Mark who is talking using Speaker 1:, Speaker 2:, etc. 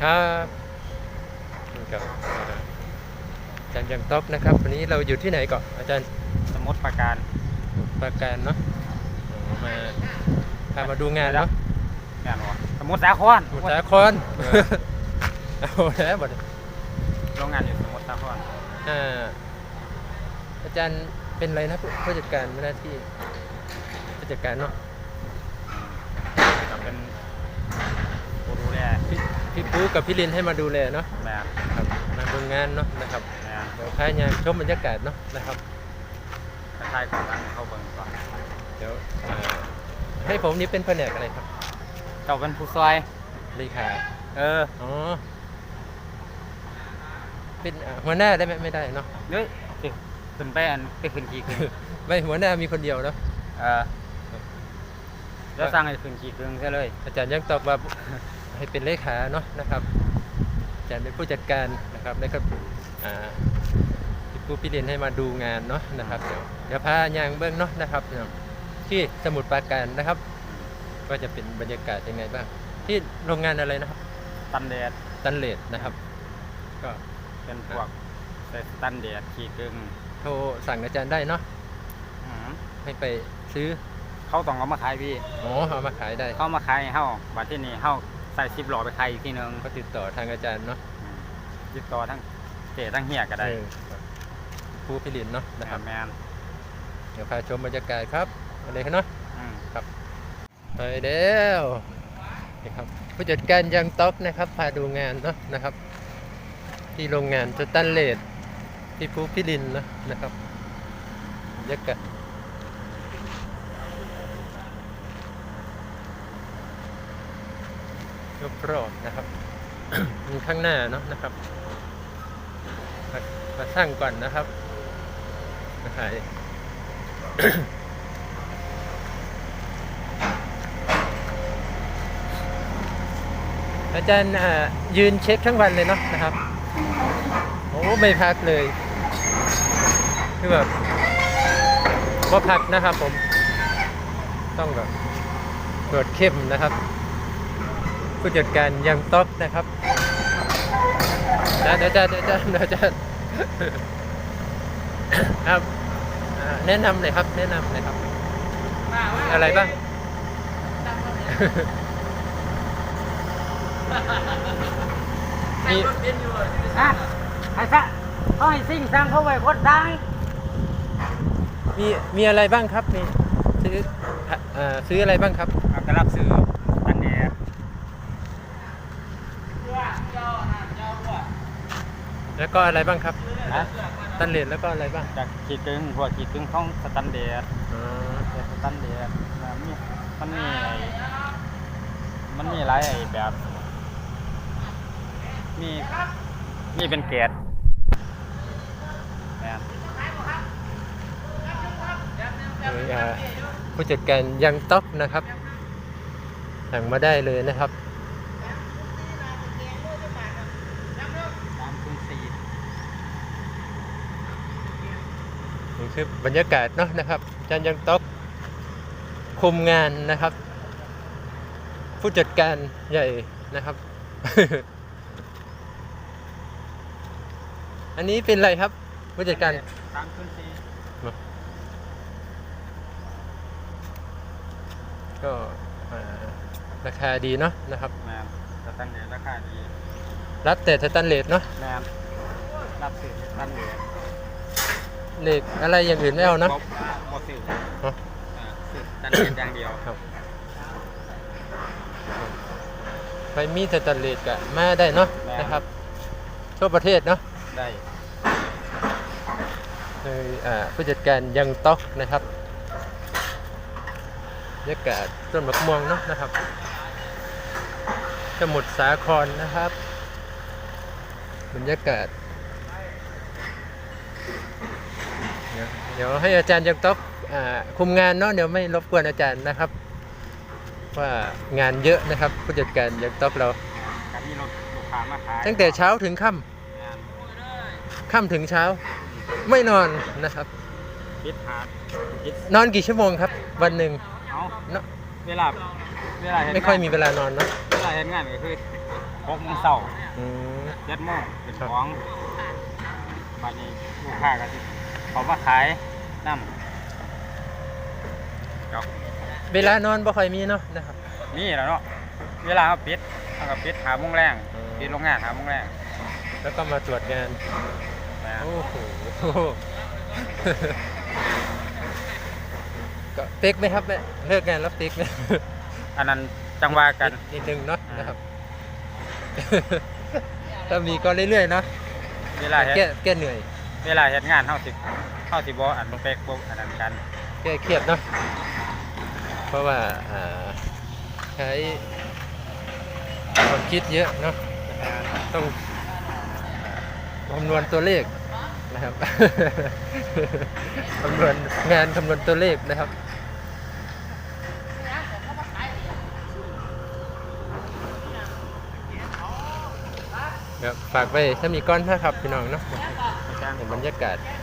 Speaker 1: ครับกับอาจารย์ยังต๊อกนะครับวันนี้เราอยู่ที่ไหนก่อนอาจารย์
Speaker 2: สมุทรปราการ
Speaker 1: ปราการเนาะมาพามาดูงานเนาะ
Speaker 2: งานวะสมุทรสาคร
Speaker 1: สมุทรสาครเอาแล้วบัด
Speaker 2: โรงงานอยู่สมุทรสาคร
Speaker 1: อาจารย์เป็นอะไรนะผู้จัดการหน้าที่ผู้จัดการเนาะ
Speaker 2: เป็นผู้ดูแล
Speaker 1: พี่ปูกับพี่ลินให้มาดูแลเนาะ
Speaker 2: ครับ
Speaker 1: มาดูงานเนาะนะครับเดี๋ยวพายงานชมบรรยากาศเนาะนะครับ
Speaker 2: ท้ายก่อนเข้าเบิ่งก่อน
Speaker 1: เดี๋ยวให้ผมนี่เป็นแผนกอะไรครับ
Speaker 2: เจ้าเป็นผู้ซอย
Speaker 1: เลขาอ๋อเป็นหัวหน้าได้ไหมไม่ได้เนาะ
Speaker 2: เฮ้ยขึ้นไปไปขึ้นกี่ขึ้น
Speaker 1: ไม่หัวหน้ามีคนเดียวเนาะ
Speaker 2: แล้วสร้างให้ขึ้นกี่ขึ้นใช่เลย
Speaker 1: อาจารย์ยังตอบว่าให้เป็นเลขาเนาะนะครับอาจารย์เป็นผู้จัดการนะครับแล้วก็ผู้พี่เรียนให้มาดูงานเนาะนะครับเดี๋ยวพายางเบื้องเนาะนะครับที่สมุทรปราการนะครับก็จะเป็นบรรยากาศยังไงบ้างที่โรงงานอะไรนะครับ
Speaker 2: ตันเลด
Speaker 1: นะครับก็
Speaker 2: เป็นพวกตันเดดขีดกึ่ง
Speaker 1: โทรสั่งอาจารย์ได้เนาะให้ไปซื้อ
Speaker 2: เขาต้องเอามาขายพี่
Speaker 1: เอามาขายได้
Speaker 2: เขามาขายเฮาบัดที่นี่เฮาใส่10 หลอดไปขายอีกทีนึง
Speaker 1: ก็ติดต่อทางอาจารย์เนาะ
Speaker 2: ติดต่อทั้งทั้งเฮียก็ได้
Speaker 1: ผู้ผลิตเนาะนะครับ
Speaker 2: แมน
Speaker 1: เดี๋ยวพาชมบรรยากาศครับอะไรกันเนาะครับไปแล้วนี่ครับผู้จัดการยังต๊อกนะครับพาดูงานเนาะนะครับที่โรงงานสแตนเลสที่ภูพิรินนะครับบรรยากาศรอบๆนะครับมีข้างหน้าเนาะนะครับมาสร้างก่อนนะครับมาขายอาจารย์ยืนเช็คทั้งวันเลยเนาะนะครับโอ้ไม่พักเลยคือแบบว่าพักนะครับผมต้องแบบตรวจเข้มนะครับผู้จัดการยังต๊อกนะครับเดี๋ยวครับแนะนำเลยครับอะไรบ้าง
Speaker 2: มีไอ้ซะเขาให้ซิ่งสร้างเขาไว้คนดัง
Speaker 1: มีอะไรบ้างครับมีซื้ออะไรบ้างครับ
Speaker 2: กระลับซื้อตันเดด
Speaker 1: แล้วก็อะไรบ้างครับตันเลดแล้วก็อะไรบ้าง
Speaker 2: จากขีดกึ่งพวกขีดกึ่งของสแตนเดดสแตนเดดมันมีหลายแบบมีเป็นเกรด
Speaker 1: ผู้จัดการยังต๊อกนะครับสั่งมาได้เลยนะครับนี่คือบรรยากาศเนาะนะครับอาจารย์ยังต๊อกคุมงานนะครับผู้จัดการใหญ่นะครับ อันนี้เป็นอะไรครับผู้จัดการก็ราคาดีเนาะนะครับ
Speaker 2: สแตนเลสราคาดี
Speaker 1: รับแต่สแตนเลสเนาะ
Speaker 2: รับสื่อสแตนเลส
Speaker 1: เหล็กอะไรอย่างอื่นไม่เอานะ
Speaker 2: หมดสื่อสแตนเลสอย่างเดียว
Speaker 1: ครับไปมีสแตนเลสกับมาได้เนาะนะครับทั่วประเทศเนาะ
Speaker 2: ได้
Speaker 1: เลยผู้จัดการยังต๊อกนะครับบรรยากาศต้นมะม่วงเนาะนะครับสมุทรสาครนะครับบรรยากาศเดี๋ยวให้อาจารย์ยังต๊อกคุมงานเนาะเดี๋ยวไม่รบกวนอาจารย์นะครับว่างานเยอะนะครับผู้จัดการยังต๊อกเราตั้งแต่เช้าถึงค่ำถึงเช้าไม่นอนนะครับนอนกี่ชั่วโมงครับวันหนึ่ง
Speaker 2: เวลา
Speaker 1: ไม่ค่อยมีเวลานอนเนาะ
Speaker 2: เวลาเห็นงานก็คือ 6 โมงเช้า
Speaker 1: อืม
Speaker 2: 7 โมงเป็นของบัดนี้ลูกค้าก็สิเขามาขายน้ำครับ
Speaker 1: เวลานอนบ่ค่อยมีเนาะนะครับ
Speaker 2: มีแล้วเนาะเวลาเขาปิดเขาก็ปิด5 โมงแรง
Speaker 1: อืม
Speaker 2: ปิดโรงงาน5 โมงแรง
Speaker 1: แล้วก็มาตรวจงาน
Speaker 2: นะ
Speaker 1: โอ้โห ก็เป๊กไหมครับเนี่ยเลิกงานแล้วเป๊กไหม
Speaker 2: อันนั้นจังว่ากัน
Speaker 1: นิดนึงเนาะ
Speaker 2: อ่าน
Speaker 1: นะครับ ถ้ามีก็เรื่อยๆเนาะ
Speaker 2: เวลาเฮ็ด
Speaker 1: แก้เหนื่อย
Speaker 2: เวลาเฮ็ดงานเฮาสิบ่อันเป๊กบ่อันนั้นกัน
Speaker 1: แก้เครียดเนาะเพราะว่าใช้ความคิดเยอะเนาะต้องคำนวณตัวเลขนะครับ คำนวณงานคำนวณตัวเลขนะครับครับฝากไปถ้ามีก้อนถ้าขับพี่น้องเนาะเห็นบรรยากาศ